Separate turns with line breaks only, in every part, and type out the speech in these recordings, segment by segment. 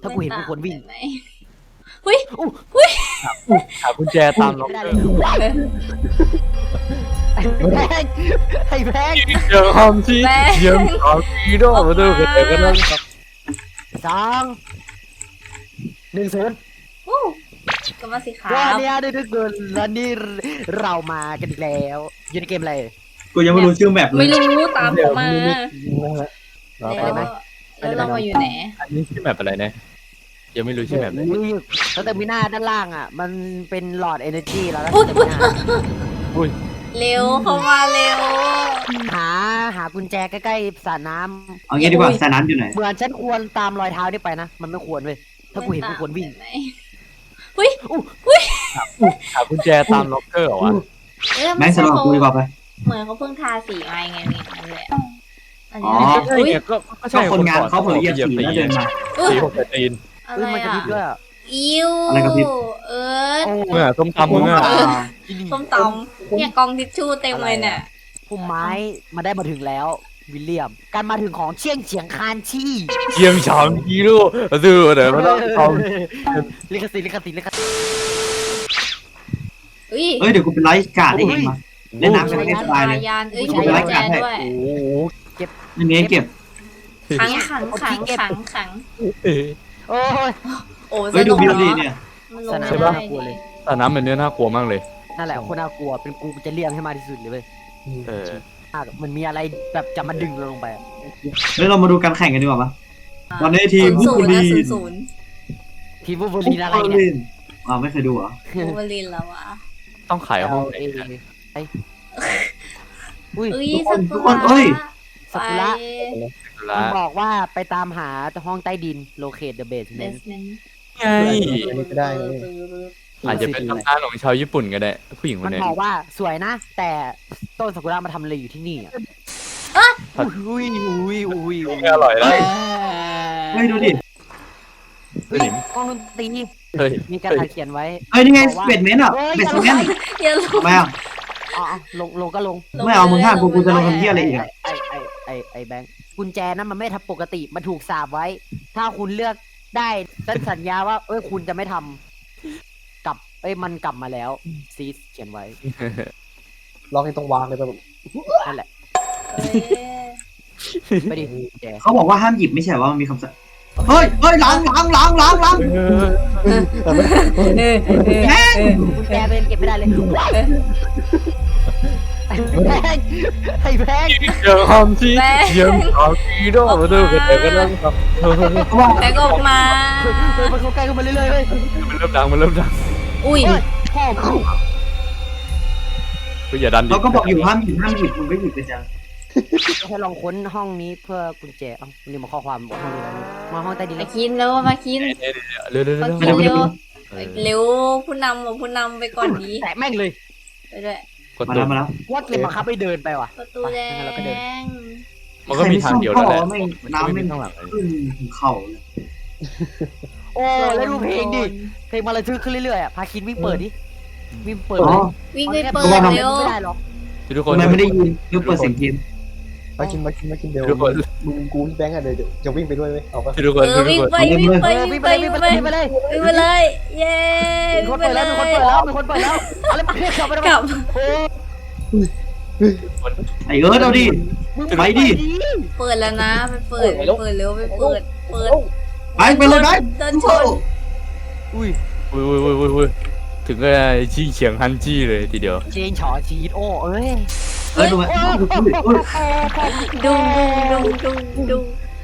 ถ้ากูเห็นกูควรวิ่ง
หุ้ย
หากุญแจตามล็อก
ไม่ได้
เก
เล
อย ร์
แพงไอ้แพง
ยังทำที่ยังทำที่โดนมาดูกันเลยก็นั่งครับ
2-1
อู้ก็มาสิครั
ก็
บ
เนี่ยได้ทุกคนแล้วนี่เรามากันอีกแล้วอยู่ในเกมอะไร
กูยังไม่รู้ชื่อแมปเล
ไม่
ย
รู้ตามผมมา
เรา
แล้ว
ไป
แล้วเรามาอยู่ไหน
อันนี้ชื่อแมปอะไรนะยังไม่รู้ชื่อแมปเลย
แล้วเตอร์มิน่าด้านล่างอ่ะมันเป็นหลอดเอเนอร์จีแล้วก็
อุ๊ย
เตอร์มิน่า
อุ้ย
เร็วเข้ามาเร็ว
หากุญแจใกล้ๆสระน้ำ
เอางี้ดีกว่าสระน้ำอยู่ไหน
เหมือนฉันควรตามรอยเท้านี่ไปนะมันไม่ควรเว้ยถ้ากูเห็นกูควรวิ่ง
หากุญแจตามล็อกเกอร์เหรอวะ
แม่งสลับกูดีกว่าไป
เหมือนเขาเพิ่งทาสีมาไงนี่นั่นแหละอัน
อ๋
นี้
อ
ใช่ไงก็
ก็
ใช่
คนงานเขาเผลอเหยียบสีแล้วเดินมา
อุ๊ย
สีผมจะตีน
อะไร
มันกระ
อ่ะ
พริบด้วยอ่ะ
อิว
อะไรกระพริบ
เอิร์ธ
เมื่อส้มตำมึงอ่ะ
ส้มตำเนี่ยกองทิชชู่เต็มเลยเนี่ย
พุ่มไม้มาได้มาถึงแล้ววิลเลียมการมาถึงของเชียงเฉียงคานชี่
เชียงฉางฮีโร่ดูเดี๋ยวมาต้องท
ลิขสิทธิ์ลิขสิทธิ์ลิขสิทธิ์
อุ้ย
เอ้ยเดี๋ยวกูเป็นไลฟ์การ์ดให้เองมาเล่นน้ำกันให้สบายเลย
ยานเอ้ย
กู
ใช้
เป็นไล
กุญ
ฟ์
แจ
การ์ดให้
ด้วย
ำโอ้โห
ไม่มีให้เก็บ
ขังขังขังขังขัง
โอ้ย
โอ้
เฮ้ยดู
ส
วิ
นุ
ว
ก
ดี
เนาะ
เนี่ย
มันลง
สนาม
ไม่
น่า
ได้
กลัวเลย
แต่น้ำแบบนี้น่ากลัวมากเลย
นั่นแหละคนน่ากลัวเป็นกูจะเลี่ยงให้มากที่สุดเลยเว้ย
เออ
มันมีอะไรแบบจะมาดึงเราลงไปอะ
เฮ้ยเรามาดูการแข่งกันดีกว่าปะตอนนี้ทีม
ศู
ผู้
น
บุ
ย์
รี
นะศูนย์
ทีมวูล์ฟเวอรีนอะไรเนี่ย
อ้าวไม่เคยดูเหรอ
บูเบอรินแล้วอะ
ต้องขายห้องไหน
ไอ้อุ้ย
เอ้ย
ทุกคนเอ้ย
สักุระ
ละ
มันบอกว่าไปตามหาห้องใต้ดิน locate the
เบส
basement
เมนต์
ไง
ก็ได้นะ
อาจจะเป็นตำนานของชาวญี่ปุ่นก็ได้ผู้หญิงค
มัน น
นี้
บอกว่าสวยนะ แต่ต้นซากุระมาทำอะไรอยู่ที่นี่อ่ะอุ้ยอุ้ยอุ้ยอุ้ย
ไม่อร่อยแล้ว
เฮ้ยดูดิ
เฮ้ยกล้องดนตรี
เฮ้ย
มีการถ่ายเขียนไว้
เฮ้ยนี่ไงเบดเมนต์อ่ะเบดเมนต์
อย่าลง
ทำไมอ่ะ
อ๋อลงก็ลง
ไม่เอามึงห้ามกูจะลงทำเหี้ยอะไรอีกอ่ะ
ไอ้แบงค์กุญแจนั้นมันไม่ทำปกติมันถูกสาบไว้ ถ้าคุณเลือกได้ฉันสัญญาว่าคุณจะไม่ทำกลับมันกลับมาแล้วซีสเขียนไว้
ล็อกนี่ต้องวางเลยป่ะ
นั่นแหละ
เอ้ย
ไปดิกุญแจ
เขาบอกว่าห้ามหยิบไม่ใช่ว่ามันมีคำสั่งเฮ้ยล้าง
กุญแจเป็นเก็บไม่ได้เลยแพงไอ้แพง
ยังทำที่ยังทำฮีโร่มาดูกันเลยก็นั่งครับ
แบกออกมา
มันเข้าใกล้เข้ามาเรื่อยๆเลย
มันเริ่มดังมันเริ่มดัง
อุ้ย
พ่อกู
อย่าดันดิ
เขาก็บอกอยู่ห้ามหยิบมึงไม่หยิบไปจัง
ให้ลองค้นห้องนี้เพื่อกุญแจนี่มาข้อความบอกห้องนี้แล้วมาห้องใต้ดิน
มา
เลย
คินแล้วมาคิน
เร็วเร็ว
มา
เร็ว
คินเร็วเร็วผู้นำผู้นำไปก่อนดี
แตะแม่งเลย
ไปด้วย
กด
มา
ตัว
แล้วมาแล้ว
วัดเลยบังคับให้เดินไปว่ะ
ประตูแดง
มันก็มีทางเดียวแล้วแหละ
น้ำ
ไม่
ไม่
ข้างหลังเลย
ขึ้นถึงเข่าเลย
โอ้แล้วดูเพลงดิเพลงมาระทึกขึ้นเรื่อยๆอ่ะพาคินวิ่งเปิดดิวิ่งเปิด
อ๋อ
วิ่งไปเปิดเร็ว
ไม่ได้หรอก
ทุกค
ทำ
น
ไมไม่ได้ยินยกเปิดเสียงเกม
มากินเดี๋ยว
ทุกคน
มึงกูพี่แบงค์อ่ะเดี๋ยวจะวิ่งไปด้วยไหมเอาปะ
ทุกคนทุก
วิ่ง
คน
ไปวิ่งไปวิ่
วิ่
ง
ง
ไป
ไปเลย
วิ่
วิ่
ง
ง
ไป
ไปเลย
วิ่งไปเลยเย้
มีคนเปิดแล้วมีคนเปิดแล้วมีคนเปิดแล้วอะไรเพื่อนกลับไป
กลับ
โอ้
ไอ้เอิร์ธเอาดิ ไปดิ
เปิดแล้วนะไปเปิดเปิดเร็วไปเปิด
ไปเลยไป
เดินชน
อุ้ย
อุ้ยถึงก็ชี้เฉียงฮันจี้เลยทีเดียว
เจนฉอชีดโอ้เอ้ย
เออดูไหม
ดุงดุงดุงดุง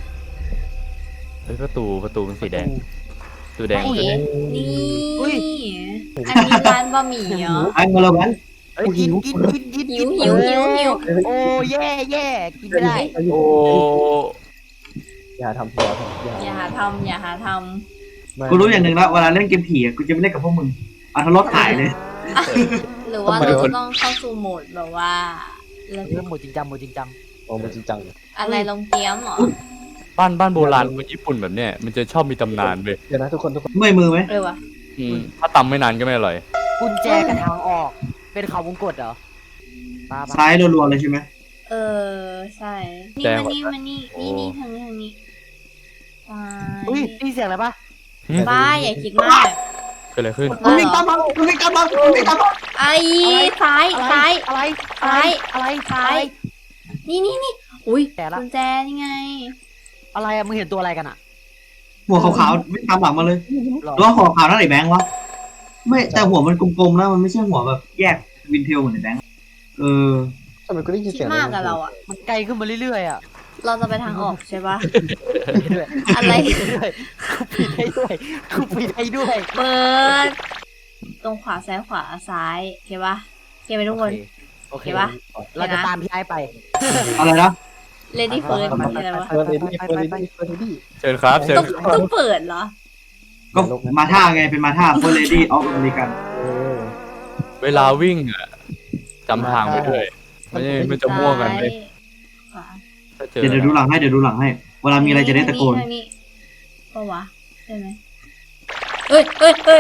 ประตูเป็นสีแดงตัวแดง
นี่อันนี้ร้านบะหมี่เหรอ
ไอ้มาแล้วมัน
เอ้ยกิน
หิว
โอ้แย่กินไม่ได้
โอ้
อย่าทำ
อย่าหาทำอย่าหาท
กูรู้อย่างหนึ่งแล้วเวลาเล่นเกมผีอ่ะกูจะไม่เล่นกับพวกมึงเอาทะเลาะขายเลย
ำหรือว่าเราต้องเข้าสู่โหมดแบบว่า
เริ่มหมดจริงจัง
โอ้มันจริงจัง
อะไรลงเกี๊ยมเหรอ
บ้านโบราณคนญี่ปุ่นแบบเนี้ยมันจะชอบมีตำนานเว้ย
เดี๋ยวนะทุกคน
เมื่อยมือไหม
เออวะ
ถ้าตำไม่นานก็ไม่อร่อย
กุญแจกับทางออก เป็นเขาวงกตเหรอป้า
ซ้ายรัวๆเลยใช่ไหม
เออใช่นี่มานี่ทางนี้
อุ้ยนี่เสียงอะไรปะ
บ้าอย่าคิดมาก
เกิดอะไรขึ้น
มันวิ่งตามมามันวิ่งตามมามันวิ่งตามมา
ไอ้ซ้ายซ้าย
อะไร
ซ้าย
อะไร
ซ้าย นี่อุ้ย
แต่ละ
กุญแจนี่ไง
อะไรอะมึงเห็นตัวอะไรกันอะ
หัวขาวๆวิ่งตามหลังมาเลย
หรอ
แล้วหัวขาวนั่นไหนแบงค์วะไม่แต่หัวมันกลมๆนะมันไม่ใช่หัวแบบแยกวินเทลเหมือนในแบงค์เออ
ทำไมกูได้ยิน
คิ
เสี
ด
ยง
มากกับเราอ่ะ
มันไกลขึ้นมาเรื่อยๆอะ
เราจะไปทางออกใช่ปะ
ด้วย
อะไร
ด้วยกูปิดให้ด้วยกูปิดให้ด้วย
เปิด ตรงขวาซ้ายขวาซ้ายโอเคปะโอเคไหมทุกคน
โอเค
เห็นปะ
เราจะตามพี่ไอ้ไป
อะไรนะ
Lady First อะไรวะ
เฟิร์สเลดี้เฟิร์สเลดี้เฟิร์สเลดี้
เชิญครับเชิญ
ต้องเปิดเหรอ
ก็มาท่าไงเป็นมาท่า First Lady of American
เวลาวิ่งอ่ะจำทางไปด้วยไม่จะมั่วกันเลย
ขวา
ถ้าเจอ
เดี๋ยวดูหลังให้เวลามีอะไรจะได้ตะโกน
ทางนี้ปะวะใช่ไหมเอ้ย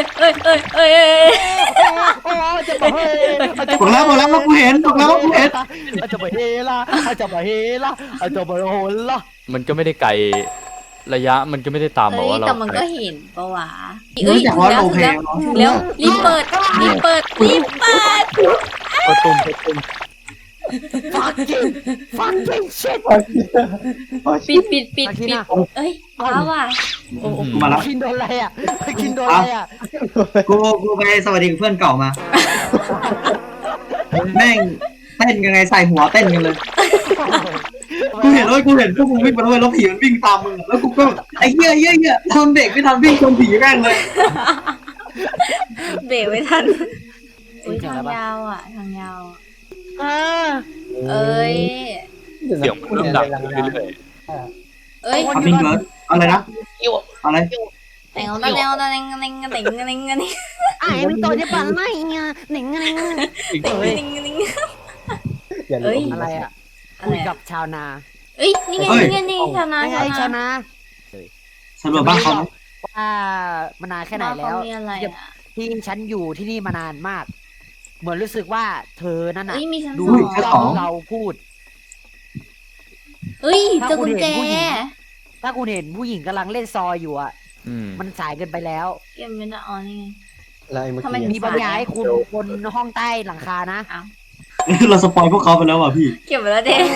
โอ้จะไปเฮ
บอกแล้วว่ากูเห็นบอกแล้วว่ากูเห็น
จะไปเฮล่ะจะไปเฮล่ะจะไปโหนล่ะ
มันก็ไม่ได้ไกลระยะมันก็ไม่ได้ตามบอกว่าเรา
แต่มันก็เห็นปะวะ
รู้จักว่าโลเพล
ถึงแล้วรีบเปิด
ประตุ่ม
fucking shit
ปิดเอ้ยว้าว่ะโอ้โห
มาแล้ว
กินโดนอะไรอ่ะกินโดนอะไรอ่ะ
กูไปสวัสดีกับเพื่อนเก่ามาแม่งเต้นกันไงใส่หัวเต้นกันเลยกูเห็นพวกมึงวิ่งมาด้วยแล้วผีมันวิ่งตามมึงแล้วกูก็ไอ้เหี้ยทำเด็กไม่ทำวิ่งชนผีแม่งเลย
เบรกไม่ทันอุ้ยทางยาวอ่ะทางยาว เอ้ย
เสียงมันเริ่มดังขึ้นเรื่อย
เอ้ย
ทำวิ่งเกิร์ดอะไรนะอะไร
แต่งเอาตะแนวตะแนงตะแนงตะแนงตะแนงตะแนง
ไอ้ไม่ตัวจะปั่นไม่เงี้ยหนิงหนิง
ตะแนงตะแนง
เอ้ย
อะไรอ่ะ
อะ
คุ
ไร
ยกับชาวนา
เอ้ยนี่ไงนี่ชาวนา
ไงชาวนา
สำรวจบ้านเขา
ว่ามานานแค่ไหนแล้ว
มีอะไรอ่ะ
ที่ฉันอยู่ที่นี่มานานมาก เหมือนรู้สึกว่าเธอนั่นน่ะ
เอ้ยมีชั้น
ดู
สอง
เราพูด
เอ้ยเจอกุญแจ
ถ้าคุณเห็นผู้หญิงกำลังเล่นซอยอยู่อ่ะ
ๆ
มันสายเกินไปแล้ว
เกมเป็นอ๋อนี่ไง
แล้วไอ้เมื่อ
ทำไม
กี้
มีบางอย่างให้คุณบนห้องใต้หลังคานะ
เราสปอยพวกเขาไปแล้วว่ะพี่
เก็บไว้แล้วเด็ก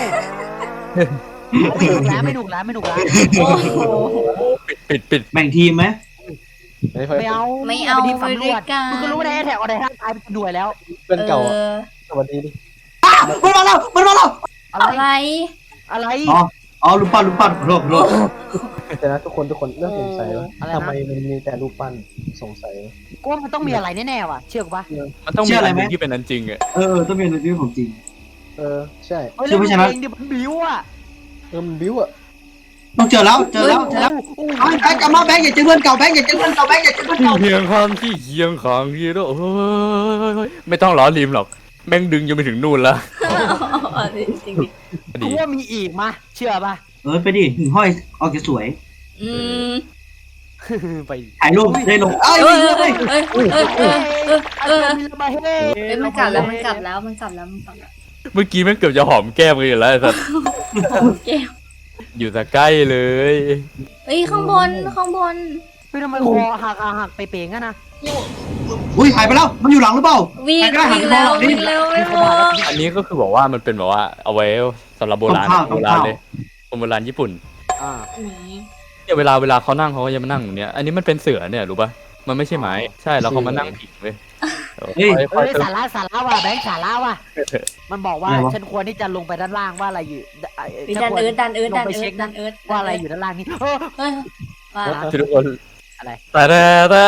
ไม่หนุกแล้ว
โอ้โห
ปิด
แบ่งทีมไหม
ไม่เอา
ไม่เอา
ที่
ไป
สำร
ด้ว
วย จ
กัน
คุณก็รู้ได้แถวอะไรท่าตายเป็นด้วยแล้ว
เพื่อนเก่า
เออ
สวัสดีดิ
มันมาแล้ว
อะไร
อะไร
อ๋อรูปปั้นขอโทษ
แต่นะทุกคนเริ่มสงสัยว่า
อะไรนะ
ทำไมมันมีแต่รูปปั้นสงสัย
กูว่ามันต้องมีอะไรแน่ๆว่ะ เชื่อกูปะ
มันต้องมีอะไรที่เป็นนั้นจริงอ่ะ
ต้องเป็นที่ของจริง
ใช่
เฮ้ย
เชื่อไม่ใช่ไหม
เองดิมันบิ้วอ่ะ
มันบิ้วอ่ะ
ต้องเจอแล้วไอ้กลับมาแบงค์อย่าเจอเพื่อนเก่าแบงค์อย่าเจอเพื่อนเก่า
เคียงข้างที่เคียงข้างที่โอ้ยไม่ต้องล้อริมหรอกแม่งดึงยังไปถึงนู่นแล้ว
จริง
กูว่ามีอีกมาเชื่อปะ
ไปดิหิ่งห้อยออกจะสวย
อืม
ไป
ถ่ายรูปได้ลง
เอ้ยเอ้ยเอ้ยเอ้ยเอ้ยเอ้ย
มีระบายเฮ้
เอ้ยมันกลับแล้วมันกลับแล้ว
เมื่อกี้แม่งเกือบจะหอมแก้มกันอยู่แล้วไอ้สัส
แก้ว
อยู่แต่ใกล้เลย
เอ้ยข้างบน
เฮ้ยทำไมคอหักไปเป่งกันนะ
อุ้ยหายไปแล้วมันอยู่หลังหรือเปล่า
วิ่งแล้วไม่พอ
อันนี้ก็คือบอกว่ามันเป็นแบบว่าเอาไว้สำหรับโบราณเลยคนโบราณญี่ปุ่น
อ่า
นี่
เนี่ยเวลาเขานั่งเขาก็จะมานั่งอย่างเนี้ยอันนี้มันเป็นเสือเนี่ยรู้ป่ะมันไม่ใช่ไม้ใช่แล้วเขามานั่งผิงเว้ย
เฮ้ยสาระว่ะแบงค์สาระว่ะมันบอกว่าฉันควรที่จะลงไปด้านล่างว่าอะไรอยู่
ดันเอิร์ด
ว่าอะไรอยู่ด้านล่างนี่เออ
เฮ้ยว่า
ทุกคน
อะไร
แต่
แต่ได้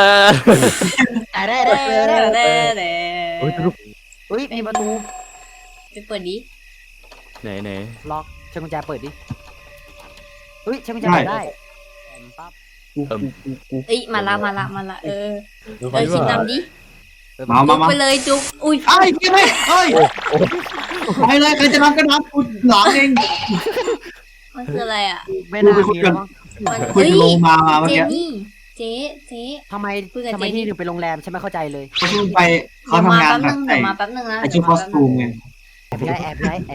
เฮ้ยทุก
เฮ้ยมีประตู
ไปเปิดดิ
ไหน
ล็อกใช้กุญแจเปิดดิเฮ้ยใช้กุญแจเปิดได้ปั๊บ
เอ้ยมาละชิมน้ำดิ
มา
จุกไปเลยจุกอุ้ย
ไอ้เหี้ยเฮ้ยไปเลยใครจะนำก็นำกูหลังเอง
มันคืออะไรอ่ะ
ไม่น่ามีแล้ว
มัน
คุยลงมาเมื่อ
เจ
กี้
นี่เจ๊
ทำไมที่ถึงไปโรงแรมฉันไม่เข้าใจเลย
เขาเพิ่งไปเขาทำงานแบบ
เดี๋ยวมาแป๊บนึงนะ
ไอชุดคอสตูมไง
แอบพี่ไอ้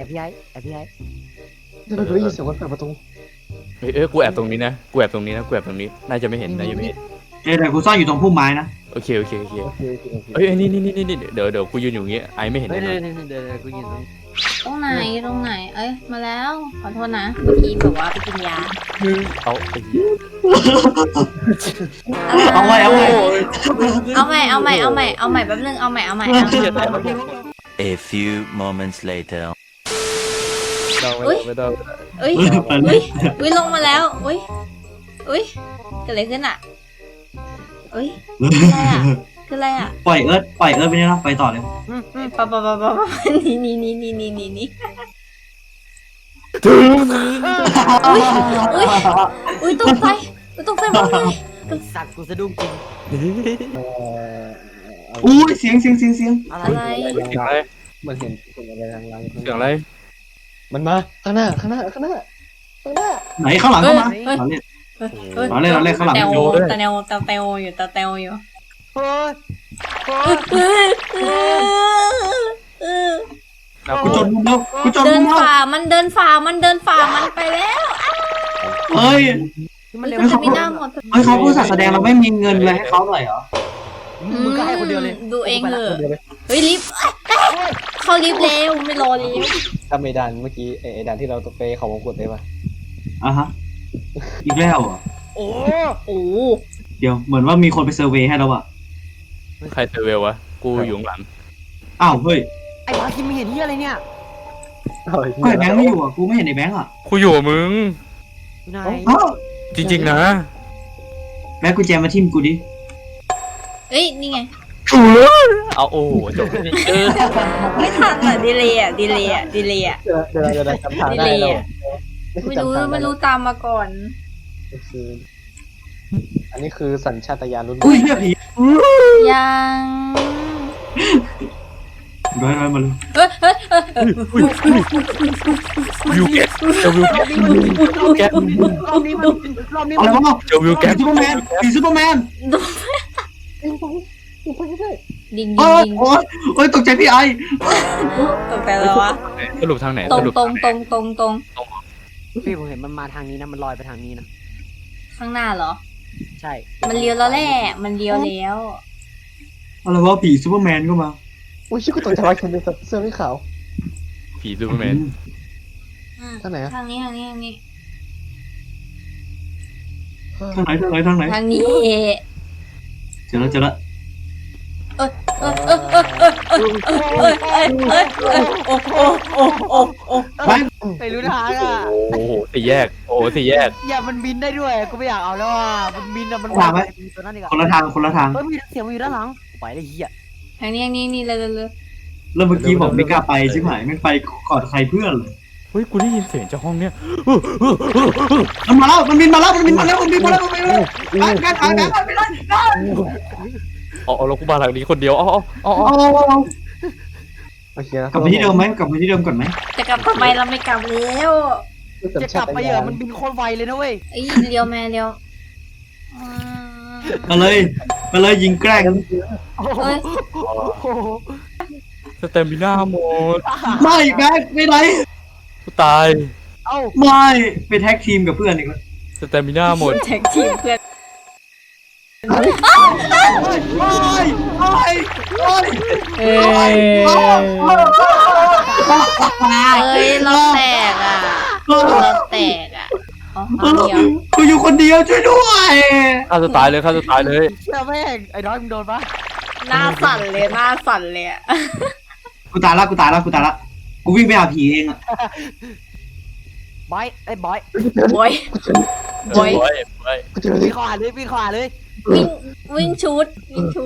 เราได้ยินเสียงคนเปิดประตู
กูแอบตรงนี้นะกูแอบตรงนี้น่าจะไม่เห็น
เดี๋ยวกูซ่อนอยู่ตรงพุ่มไม้นะ
โอเคโอเคโอเค
โอเคโอเคโอเค
เอ้ยนี่เดี๋ยวกูยืนอยู่อย่างงี้ไอไม่เห็น
เฮ้ย
แน่นอน
เดี๋ยวกูยืนตรง
ตรงไหนตรงไหน เอ้ยมาแล้วขอโทษนะเมื่อกี้แบบว่าไปกินยา
เอาไอ้เหี้ย
เอาไว้
เอาใหม่แป๊บนึงเอาใหม่
A few moments later.
ไม่ต้อง
เอ้ยลงมาแล้วอุ้ยเกิดอะไรขึ้นอ่ะเอ้ยคืออะไรอ่ะ
ปล่อยเอิร์ธไปนี่นะไปต่อเลย
ปะนี่อุ้ยตกใจหมดเลย
สัตว์กูสะดุ้งจริง
อุ้ยเสียง
อะไร
อะไร
เสียงอะไร
มันเห็นอะไรทางหลัง
เสียงอะไร
มันมาข้างหน้า
ไหนข้างหลังเข้ามา
เฮ้ย
เราเล่นข้างหลัง
ตาเตวอยู่
เฮ้ย
กูจนมุมแล้วกูจน
เดิ
มุ
น
มแล้ว
ฝ่ามันไปแล้ว
เฮ้ย
มันเร็ว
มันจะมีหน้าหมด
เฮ้ยเขาผู้จัดแสดงเราไม่มีเงินเลยให้เขาหน่อยเหรอ
มึงก็ให้คนเดียวเลย
ดูเองเถอะเฮ้ยลิฟต์เขาลิฟต์เร็วไม่รอแล้ว
ถ้าไม่ดันเมื่อกี้ไอ้ดันที่เราไปเขาวงกดได้ปะ
อ่ะฮะอีกแล้วเหรอ
โอ้
โอ้
เดี๋ยวเหมือนว่ามีคนไปเซอร์เวย์ให้แล้วอะ
ใครเซอร์เวลวะกูอยู่ข้างหลัง
อ้าวเฮ้ย
ไอ้บาคิมไม่เห็นที่อะไรเนี่ย
ก็ไอ้แบงค์ไม่อยู่อะกูไม่เห็นไอ้แบงค์อะ
กูอยู่กับมึง
อยู่ไหน
อ้าว
จริงๆนะ
แบงค์กูแจมาทิมกูดิ
เอ้ยนี่ไง
เอาโอ้จบเออ
ไม่ทันอ่ะดีเลยอ่ะ
เดี๋ยวจำทางได้เรา
ไม่รู้ตามมาก่อน
อันนี้คือสัญชาตญาณรุ่น
อุ้ยเฮียผี
ยัง
ร้อยมาเลย
วิวแกเจอวิวแกแก
รอบนี้มัน
อะไรวะ
เจอวิวแก
ผีซูเปอร์แมน
ดิง
โอ้ยตกใจพี่ไอ
ตกใจแล้ววะ
สรุปทางไหน
ตร
ส
ง
รุป
พี่ผมเห็นมันมาทางนี้นะมันลอยไปทางนี้นะ
ข้างหน้าเหรอ
ใช่
มันเลี้ยวแล้วแหละมันเลี้ยวแล้ว
อะไรวะผีซูเปอร์แมนก็มา
อุ้ยชื่อกูตกใจว่าคนเป็นเสื้อไม่ขาว
ผีซูเปอร์แมน
ทางไหนอะ
ทางนี้
ทางไหน
ทางนี้
เจอแล้ว
โอ้
ไป
ไม่รู้ทางอ่ะ
โอ้โหสี่แยกโอ้โหสี่แยก
อย่ามันบินได้ด้วยกูไม่อยากเอาแล้วอ่ะมันบินอ่ะมันตัวนั้นดีกว่า
คนละทาง
เฮ้ยมีเสียงมันอยู่ด้านหลังไปเลยเฮีย
ทางนี้เลย
แล้วเมื่อกี้บอกไม่กล้าไปใช่ไหมไม่ไปก่อนใครเพื่อนเลย
เฮ้ยกูได้ยินเสียงจากห้องเนี้ย
มันมาแล้วมันบินมาแล้วไปไปไปเลย
เอาแล้วกูมาหลังนี้คนเดียวอ๋อ
โอเคแล้ว
กลับไปที่เดิมไหมกลับไปที่เดิมก่อนไหม
จะกลับทำไมเราไม่กลับแล้ว
จะกลับไปเหรอมันบินโคตรไวเลยนะเว้ย
เอ้ยเลี้ยวแม่เลี้ยว
มาเลยยิงแกล้ง
เอ้ย
สเตมิน่าหมด
ไม่แบ็คไม่ไหน
กูตาย
เอ้า
ไม่ไปแท็กทีมกับเพื่อนอีกแล้ว
สเตมิน่าหมด
แท็กทีมเพื่อนเอ้ยเราแตกอ่ะอ๋อเดียว
กูอยู่คนเดียวช่วยด้วย
ฆ่าตัวตายเลย
เชื่อแม่งไอ้น้อยมึงโดนปะ
หน้าสั่นเลยอ่ะ
กูตายละกูวิ่งไปหาผีเองอะ
บอยไอ้บอย
บอย
วิ่งขวาเลย
วิ่งชุด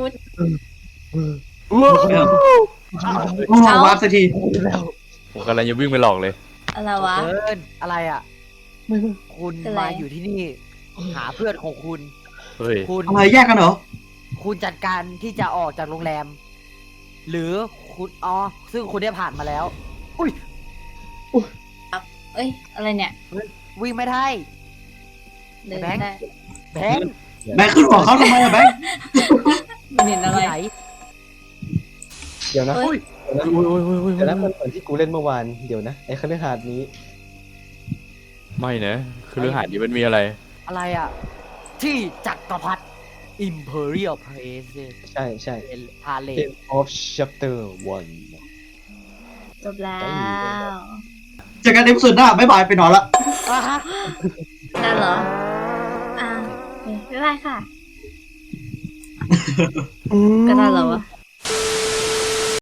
โอ้วาร์ปสักที
ผมกำลังจะวิ่งไปหลอกเลย
อะไรวะ
เอินอะไรอ่ะคุณมาอยู่ที่นี่หาเพื่อนของคุณ
เฮ้ย
คุณ
อะไรแยกกันเหรอ
คุณจัดการที่จะออกจากโรงแรม หรือคุณซึ่งคุณได้ผ่านมาแล้ว
เอ้ยอะไรเนี่ย
วิ่งไม่ได้
เดินได้
แบงค์
แบงค์ขึ้นหัวเขาทำไมอะแบงค์
มันเห็นอะไร
ไหน
เดี๋ยวนะ
เอ้ย
แต่แล้วมันเหมือนที่กูเล่นเมื่อวานเดี๋ยวนะไอ้คฤหาสน์นี้
ไม่นะคือเรื่องหาดนี้มันมีอะไร
อะไรอ่ะ ที่จักรพรรดิ Imperial Place
ใช่ใช่
พาเล
End of Chapter 1
จบแล้ว
เจอกันในสุดหน้าบ๊ายบายไปนอนละ
ได้เหรอโอเคบ๊ายบายค่ะ ก็ได้เหรอวะ